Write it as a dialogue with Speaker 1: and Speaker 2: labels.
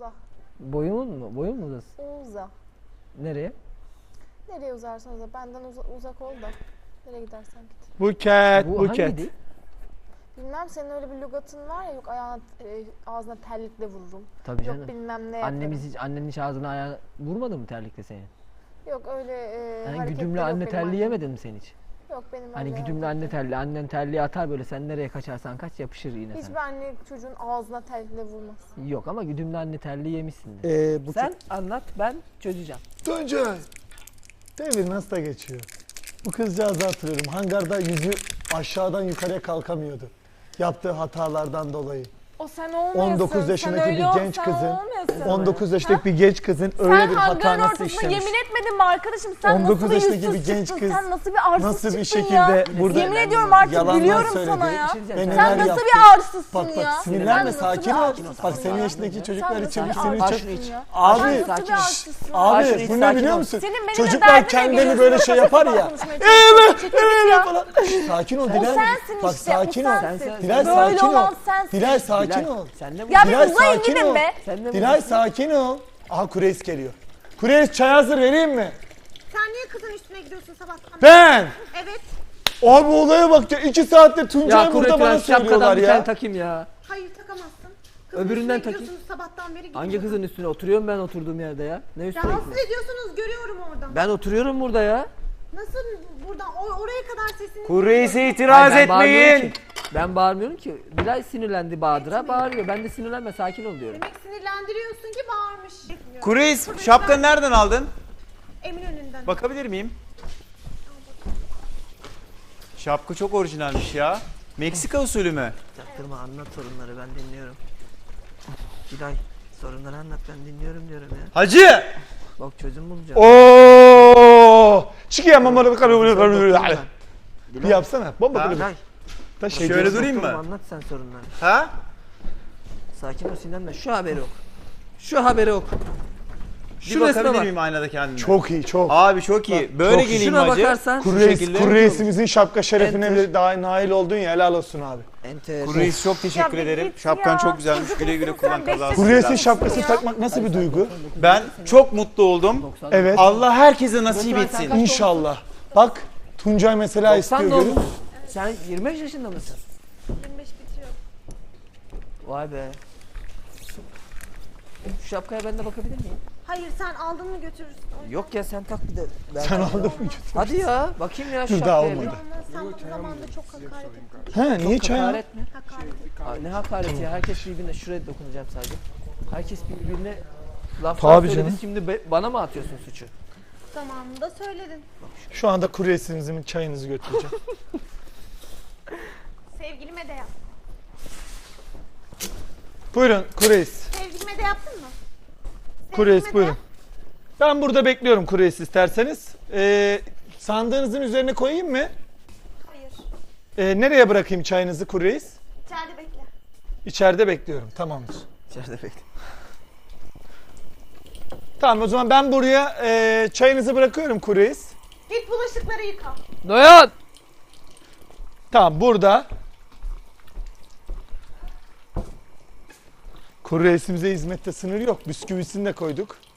Speaker 1: Uza.
Speaker 2: Boyun mu? Boyun mu uzasın?
Speaker 1: Uza.
Speaker 2: Nereye?
Speaker 1: Nereye uzarsan uza. Benden uzak ol da. Nereye gidersen git.
Speaker 3: Buket,
Speaker 2: Bu
Speaker 3: buket.
Speaker 2: hangiydi?
Speaker 1: Bilmem senin öyle bir lügatın var ya, yok ayağına ağzına terlikle vururum.
Speaker 2: Tabii
Speaker 1: Yok
Speaker 2: canım.
Speaker 1: bilmem ne yaparım.
Speaker 2: Annen hiç ağzına ayağına vurmadı mı terlikle seni?
Speaker 1: Yok öyle
Speaker 2: Yani
Speaker 1: hareketleri
Speaker 2: güdümlü
Speaker 1: yok
Speaker 2: anne
Speaker 1: benim
Speaker 2: terliği
Speaker 1: annem.
Speaker 2: yemedin mi sen hiç?
Speaker 1: Yok benim
Speaker 2: Hani
Speaker 1: öyle
Speaker 2: güdümlü anne
Speaker 1: hareketlerim.
Speaker 2: terliği, annen terliği atar böyle, sen nereye kaçarsan kaç yapışır yine
Speaker 1: Hiçbir
Speaker 2: sana.
Speaker 1: anne çocuğun ağzına terlikle vurmaz.
Speaker 2: Yok ama güdümlü anne terliği yemişsindir.
Speaker 3: Buket.
Speaker 2: Sen anlat, ben çözeceğim.
Speaker 3: Tuncay. Devir nasıl da geçiyor. Bu kızcağızı hatırlıyorum. Hangarda yüzü aşağıdan yukarıya kalkamıyordu. Yaptığı hatalardan dolayı.
Speaker 1: O sen olmuyorsun.
Speaker 3: 19 yaşındaki bir genç kızın, 19 yaşındaki bir genç kızın öyle
Speaker 4: Sen
Speaker 3: bir hata
Speaker 4: hangarın
Speaker 3: nasıl
Speaker 4: ortasında
Speaker 3: işlemiş?
Speaker 4: yemin etmedin mi arkadaşım? Sen
Speaker 3: 19
Speaker 4: nasıl bir
Speaker 3: yaşındaki
Speaker 4: yüzsüz
Speaker 3: bir genç
Speaker 4: çıktın?
Speaker 3: kız
Speaker 4: Sen nasıl bir arsız
Speaker 3: nasıl bir
Speaker 4: çıktın ya?
Speaker 3: şekilde burada
Speaker 4: Yemin ediyorum artık
Speaker 3: yalanlar
Speaker 4: gülüyorum
Speaker 3: söyledi.
Speaker 4: sana ya.
Speaker 2: Bir şey diyeceğim.
Speaker 3: Ve
Speaker 4: Sen
Speaker 3: neler
Speaker 4: nasıl
Speaker 3: yaptı?
Speaker 4: bir arsızsın
Speaker 3: Bak
Speaker 4: ya?
Speaker 3: sinirlenme,
Speaker 4: Sen
Speaker 3: sakin
Speaker 4: nasıl bir
Speaker 3: ol.
Speaker 4: arsızsın
Speaker 3: Bak senin
Speaker 4: ya?
Speaker 3: yaşındaki çocuklar
Speaker 4: Sen
Speaker 3: için
Speaker 4: nasıl bir
Speaker 3: sinir çok...
Speaker 4: arsızsın ya?
Speaker 3: Abi,
Speaker 4: Sen nasıl
Speaker 2: sakin
Speaker 4: bir
Speaker 2: ol.
Speaker 4: arsızsın?
Speaker 3: Abi
Speaker 2: Şunu hiç
Speaker 3: bu ne
Speaker 2: sakin
Speaker 3: biliyor
Speaker 2: ol.
Speaker 3: musun?
Speaker 4: Senin benimle
Speaker 3: Çocuklar
Speaker 4: derdine
Speaker 3: kendini
Speaker 4: geliyorsun,
Speaker 3: böyle şey yapar ya.
Speaker 4: konuşmaya çalışıyorsun, çekilmiş ya.
Speaker 3: Falan. Sakin ol
Speaker 4: O
Speaker 3: Dilay.
Speaker 4: sensin
Speaker 3: Bak
Speaker 4: işte,
Speaker 3: sakin
Speaker 4: o
Speaker 3: ol.
Speaker 4: sensin.
Speaker 3: Dilay
Speaker 4: Böyle
Speaker 3: sakin ol.
Speaker 4: olan sensin.
Speaker 3: Dilay sakin
Speaker 2: Dilay,
Speaker 3: ol.
Speaker 2: sen de
Speaker 4: Ya
Speaker 2: vurdun.
Speaker 4: bir
Speaker 3: Dilay
Speaker 4: uzayın
Speaker 3: sakin
Speaker 4: gidin
Speaker 3: ol.
Speaker 4: be.
Speaker 2: Sen de
Speaker 3: Dilay
Speaker 2: vurdun.
Speaker 3: sakin ol. Aha Kureys geliyor. Kureys çay hazır vereyim mi?
Speaker 5: Sen niye kızın üstüne gidiyorsun sabahtan?
Speaker 3: Ben.
Speaker 5: Evet.
Speaker 3: Abi olaya bak ya, 2 saattir
Speaker 2: Ya
Speaker 3: Tuncay'ı burada bana
Speaker 2: Kuretülen şapkadan
Speaker 3: söylüyorlar
Speaker 2: bir tane
Speaker 3: ya.
Speaker 2: takayım ya.
Speaker 5: Hayır takamazsın. Kızın
Speaker 2: Öbüründen
Speaker 5: üstüne
Speaker 2: takayım.
Speaker 5: gidiyorsunuz sabahtan beri
Speaker 2: Hangi
Speaker 5: gidiyorsun.
Speaker 2: kızın üstüne oturuyorum ben oturduğum yerde ya? Ne üstüne
Speaker 5: Rahatsız
Speaker 2: gidiyorsun?
Speaker 5: ediyorsunuz görüyorum oradan.
Speaker 2: Ben oturuyorum burada ya.
Speaker 5: Nasıl buradan oraya kadar sesini...
Speaker 6: Kureyse itiraz
Speaker 2: Hayır, ben bağırmıyorum
Speaker 6: etmeyin.
Speaker 2: ki. Ben bağırmıyorum ki. Dilay sinirlendi Bahadır'a, bağırıyor. Ben de sinirlenme, sakin ol diyorum.
Speaker 5: Demek sinirlendiriyorsun ki bağırmış.
Speaker 6: Kureys şapkanı nereden aldın?
Speaker 5: Eminönü'nden.
Speaker 6: Bakabilir miyim? Şapka çok orijinalmiş ya. Meksika usulü mü?
Speaker 2: Çaktırma, anlat sorunları, ben dinliyorum. Dilay, sorunları anlat, ben dinliyorum diyorum ya.
Speaker 6: Hacı!
Speaker 2: Bak çözüm bulacağım.
Speaker 3: Oo! Çıkıyor mamalı bir yapsana. Bomba
Speaker 6: Ha?
Speaker 3: kırıyor.
Speaker 2: Dilay,
Speaker 3: Da şey
Speaker 6: Şöyle
Speaker 3: diyorsun.
Speaker 6: durayım
Speaker 2: oğlum,
Speaker 6: mı?
Speaker 2: anlat sen sorunları.
Speaker 6: Ha?
Speaker 2: Sakin ol, sinirlenme. Şu haberi oku. Şu haberi oku.
Speaker 6: Bir
Speaker 2: Şu resme
Speaker 6: bakabilir
Speaker 2: bak.
Speaker 6: miyim aynada kendime?
Speaker 3: Çok iyi, çok.
Speaker 6: Abi çok iyi. Böyle
Speaker 3: çok iyi.
Speaker 6: geleyim
Speaker 2: Şuna
Speaker 6: hacı.
Speaker 2: bakarsan
Speaker 6: Şu
Speaker 3: Kureys,
Speaker 6: şekilde.
Speaker 3: Kureysimizin şapka şerefine
Speaker 2: Enter.
Speaker 3: bile daha nail oldun ya, helal olsun abi.
Speaker 2: enter.
Speaker 6: Kureys çok teşekkür
Speaker 4: Ya bir
Speaker 6: ederim.
Speaker 4: git
Speaker 6: Şapkan
Speaker 4: ya.
Speaker 6: çok güzelmiş.
Speaker 4: Çocuk
Speaker 6: Güle güle
Speaker 4: musun
Speaker 6: kullan
Speaker 4: sen? Beş
Speaker 6: kazası.
Speaker 3: Kureys'in
Speaker 4: yaşındasın
Speaker 3: şapkası
Speaker 4: ya.
Speaker 3: takmak nasıl bir duygu?
Speaker 6: Ben çok mutlu oldum.
Speaker 3: Evet.
Speaker 6: Allah herkese nasip etsin.
Speaker 3: İnşallah. Bak Tuncay mesela
Speaker 2: 90
Speaker 3: istiyor görün.
Speaker 2: doğumlu. Sen 25 yaşında mısın?
Speaker 5: 25 bitiyor.
Speaker 2: Vay be. Şu şapkaya ben de bakabilir miyim?
Speaker 5: Hayır sen aldın mı götürürsün.
Speaker 2: Yok ya, sen tak bir de.
Speaker 3: Sen aldın mı götür?
Speaker 2: Hadi ya, bakayım ya şu
Speaker 3: Dur, daha
Speaker 2: şapkaya bir.
Speaker 3: olmadı.
Speaker 5: Sen bu zamanda çok hakaret ettin.
Speaker 3: He niye çay?
Speaker 2: Hakaret mi?
Speaker 5: Hakaret ettin.
Speaker 2: Aa, ne hakareti ya, herkes birbirine, şuraya dokunacağım sadece. Herkes birbirine laflar
Speaker 3: Tabii
Speaker 2: söyledi,
Speaker 3: canım.
Speaker 2: şimdi bana mı atıyorsun suçu?
Speaker 5: Zamanında söyledin.
Speaker 3: Şu anda Kureysimizin çayınızı götüreceğim.
Speaker 5: Sevgilime de yap.
Speaker 3: Buyurun Kureys.
Speaker 5: Sevgilime de yaptın mı?
Speaker 3: Kureys
Speaker 5: Sevgilime de
Speaker 3: buyurun.
Speaker 5: yap.
Speaker 3: Ben burada bekliyorum Kureys isterseniz. Sandığınızın üzerine koyayım mı?
Speaker 5: Hayır.
Speaker 3: Nereye bırakayım çayınızı Kureys?
Speaker 5: İçeride bekle.
Speaker 3: İçeride bekliyorum. Tamamdır.
Speaker 2: İçeride bekle.
Speaker 3: Tamam o zaman ben buraya çayınızı bırakıyorum Kureys.
Speaker 5: Git bulaşıkları yıka.
Speaker 2: Noyan!
Speaker 3: Tamam burada. Kureysimize hizmette sınır yok. Bisküvisini de koyduk.